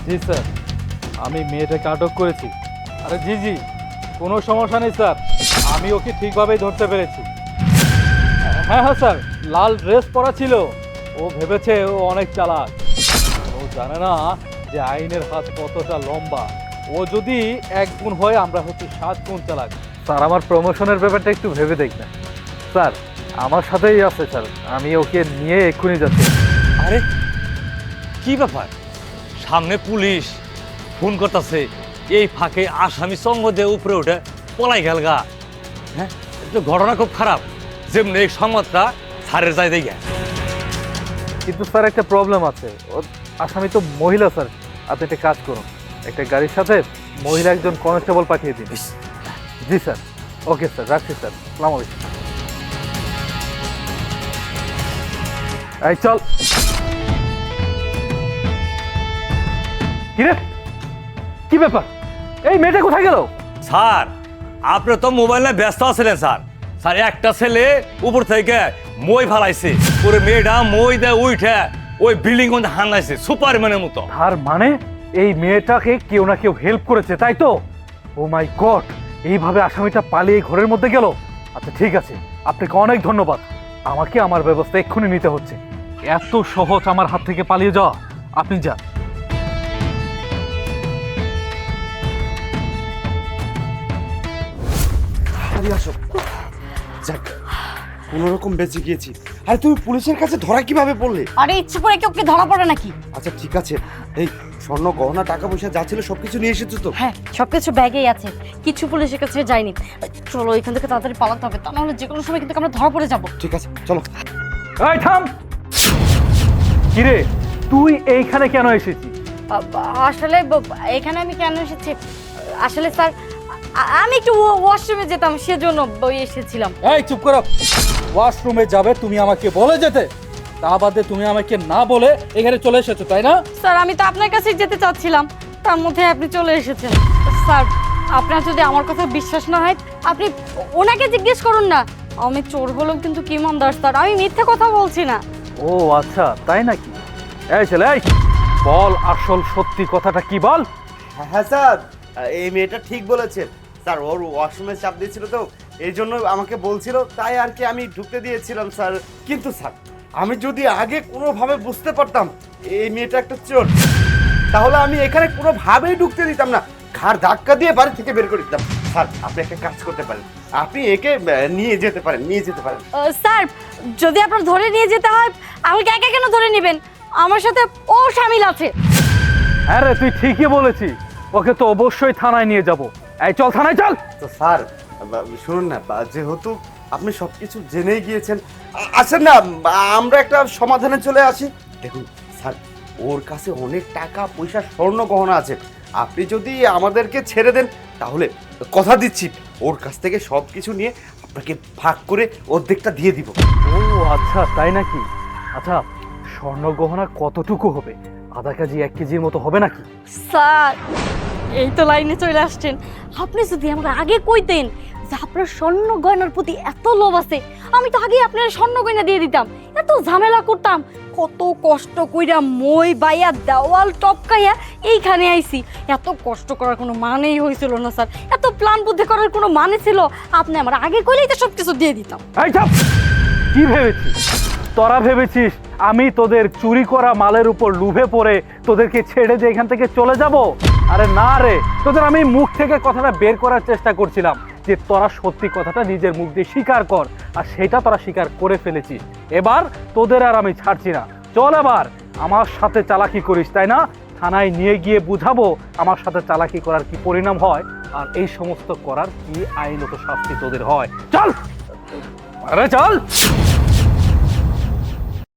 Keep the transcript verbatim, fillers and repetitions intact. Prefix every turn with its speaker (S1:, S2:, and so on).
S1: জি sir, আমি মেয়েটাকে আটক করেছি। আরে জি জি, কোনো সমস্যা নেই স্যার, আমি ওকে ঠিকভাবেই ধরতে পেরেছি। হ্যাঁ হ্যাঁ স্যার, লাল ড্রেস পরা ছিল। ও ভেবেছে ও অনেক চালাক। ও জানে না যে আইনের হাত কতটা লম্বা। ও যদি এক গুণ হয়, আমরা হচ্ছে সাত গুণ চালাক। স্যার, আমার প্রমোশনের ব্যাপারটা একটু ভেবে দেখবেন। স্যার, আমার সাথেই আছে স্যার, আমি ওকে নিয়ে এক্ষুনি যাচ্ছি।
S2: আরে কি ব্যাপার, সামনে পুলিশ ফোন করতেছে, এই ফাঁকে আসামি সঙ্গ দিয়ে উপরে উঠে পলাই গেল গা। হ্যাঁ, এটা তো ঘটনা খুব খারাপ। যেমনি এই সংবাদটা স্যারের যায় দেখে।
S1: কিন্তু স্যার, একটা প্রবলেম আছে। ও আসামি তো মহিলা স্যার। আপনি একটা কাজ করুন, একটা গাড়ির সাথে মহিলা একজন কনস্টেবল পাঠিয়ে দিন। জি স্যার। ওকে স্যার, রাখছি স্যার। আসসালামু আলাইকুম। এই চল। কিরে, কি ব্যাপার? এই মেয়েটা কোথায় গেল?
S2: স্যার, আপনি তো মোবাইলে ব্যস্ত আছিলেন স্যার। স্যার, একটা ছেলে উপর থেকে মই ফালাইছে, ওরে মেয়েটা মই দেয় উঠে ওই বিল্ডিং মধ্যে হানাইছে সুপারম্যানের মতো।
S1: তার মানে এই মেয়েটাকে কেউ না কেউ হেল্প করেছে, তাই তো? ও মাই গড, এইভাবে আসামিটা পালিয়ে ঘরের মধ্যে গেল। আচ্ছা ঠিক আছে, আপনাকে অনেক ধন্যবাদ। আমাকে আমার ব্যবস্থা এক্ষুনি নিতে হচ্ছে। এত সহজ আমার হাত থেকে পালিয়ে যাওয়া? আপনি যান।
S3: আরে আসো, যাক কোনো রকম বেঁচে গিয়েছি। আরে তুমি পুলিশের কাছে ধরা কিভাবে পড়লে?
S4: আরে ইচ্ছে করে কি ওকে ধরা পড়ে নাকি?
S3: আচ্ছা ঠিক আছে, এই স্বর্ণ গহনা টাকা পয়সা যা ছিল সবকিছু নিয়ে এসেছো তো?
S4: হ্যাঁ, সবকিছু ব্যাগেই আছে, কিছু পুলিশের কাছে যায়নি। চলো এখান থেকে তাড়াতাড়ি পালাতে হবে, তা নাহলে যে কোনো সময় কিন্তু আমরা ধরা পড়ে যাব।
S3: ঠিক আছে চলো।
S1: এই থাম। কিরে, তুই এইখানে কেন এসেছিস?
S4: আসলে ব- এখানে আমি কেন এসেছি, আসলে স্যার আ- আমি একটু ওয়াশরুমে যেতাম, সেজন্য ওই এসেছিলাম।
S1: এই চুপ করো। ওয়াশরুমে যাবে তুমি আমাকে বলে যেতে, তা বাদে তুমি আমাকে না বলে এখানে চলে এসেছো, তাই না?
S4: স্যার, আমি তো আপনার কাছেই যেতে চাচ্ছিলাম, তার মধ্যে আপনি চলে এসেছেন। স্যার, আপনার যদি আমার কথা বিশ্বাস না হয়, আপনি ওনাকে জিজ্ঞেস করুন না। আমি চোর হলেও কিন্তু কি ইমানদার স্যার, আমি মিথ্যে কথা বলছি না।
S1: ও আচ্ছা, তাই নাকি? এই ছেলে, এই বল আসল সত্যি কথাটা কি, বল।
S3: হ্যাঁ স্যার, এই মেয়েটা ঠিক বলেছে স্যার। ওর ওয়াশরুমে চাপ দিয়েছিল তো, এই জন্য আমাকে বলছিল, তাই আর কি আমি ঢুকতে দিয়েছিলাম স্যার। কিন্তু স্যার, আমি যদি আগে কোনোভাবে বুঝতে পারতাম এই মেয়েটা একটা চোর, তাহলে আমি এখানে কোনোভাবেই ঢুকতে দিতাম না, ঘাড় ধাক্কা দিয়ে বাড়ি থেকে বের করে দিতাম। স্যার, আপনি একটা কাজ করতে পারেন, আপনি একে আহ, নিয়ে যেতে পারেন, নিয়ে যেতে পারেন।
S4: আহ, স্যার, যদি আপনার ধরে নিয়ে যেতে হয়, আমাকে একা কেন ধরে নেবেন? আমার সাথে ও শামিল আছে।
S1: হ্যাঁ রে, তুই ঠিকই বলেছিস, ওকে তো অবশ্যই থানায় নিয়ে যাব। এই চল, থানায় চল।
S3: তো স্যার বা- শুনুন না, বা- যেহেতু আপনি সব কিছু জেনেই গিয়েছেন, আ- আসেন না বা- আমরা একটা সমাধানে চলে আসি। দেখুন স্যার, ওর কাছে অনেক টাকা পয়সা স্বর্ণ গহনা আছে। আপনি যদি আমাদেরকে ছেড়ে দেন, তাহলে কথা দিচ্ছি ওর কাছ থেকে সব কিছু নিয়ে আপনাকে ভাগ করে অর্ধেকটা দিয়ে দিব।
S1: ও আচ্ছা, তাই নাকি? আচ্ছা, স্বর্ণ গহনা কতটুকু হবে? আধা কেজি, এক কেজির মতো হবে নাকি?
S4: স্যার, এই তো লাইনে চলে আসছেন। আপনি যদি আমাকে আগে কইতেন যে আপনার স্বর্ণ গয়নার প্রতি এত লোভ আছে, আমি তো আগে আপনার স্বর্ণ গয়না দিয়ে দিতাম, এত ঝামেলা করতাম। কত কষ্ট কইরা মই বাইয়া দেওয়াল টপকাইয়া এইখানে আইছি। এত কষ্ট করার কোনো মানেই হয়েছিল না স্যার, এত প্ল্যান বুদ্ধি করার কোনো মানে ছিল? আপনি আমার আগে কইলেই তো সব কিছু দিয়ে দিতাম।
S1: এই চুপ! কি ভেবেছিস তোরা? ভেবেছিস আমি তোদের চুরি করা মালের উপর লুভে পড়ে তোদেরকে ছেড়ে দিয়ে এখান থেকে চলে যাব? আরে না রে, তোদের আমি মুখ থেকে কথাটা বের করার চেষ্টা করছিলাম যে তোরা সত্যি কথাটা নিজের মুখ দিয়ে স্বীকার কর, আর সেটা তোরা স্বীকার করে ফেলেছিস। এবার তোদের আর আমি ছাড়ছি না। চল, এবার আমার সাথে চালাকি করিস, তাই না? থানায় নিয়ে গিয়ে বুঝাবো আমার সাথে চালাকি করার কি পরিণাম হয়, আর এই সমস্ত করার কি আইনত শাস্তি তোদের হয়। চল, আরে চল।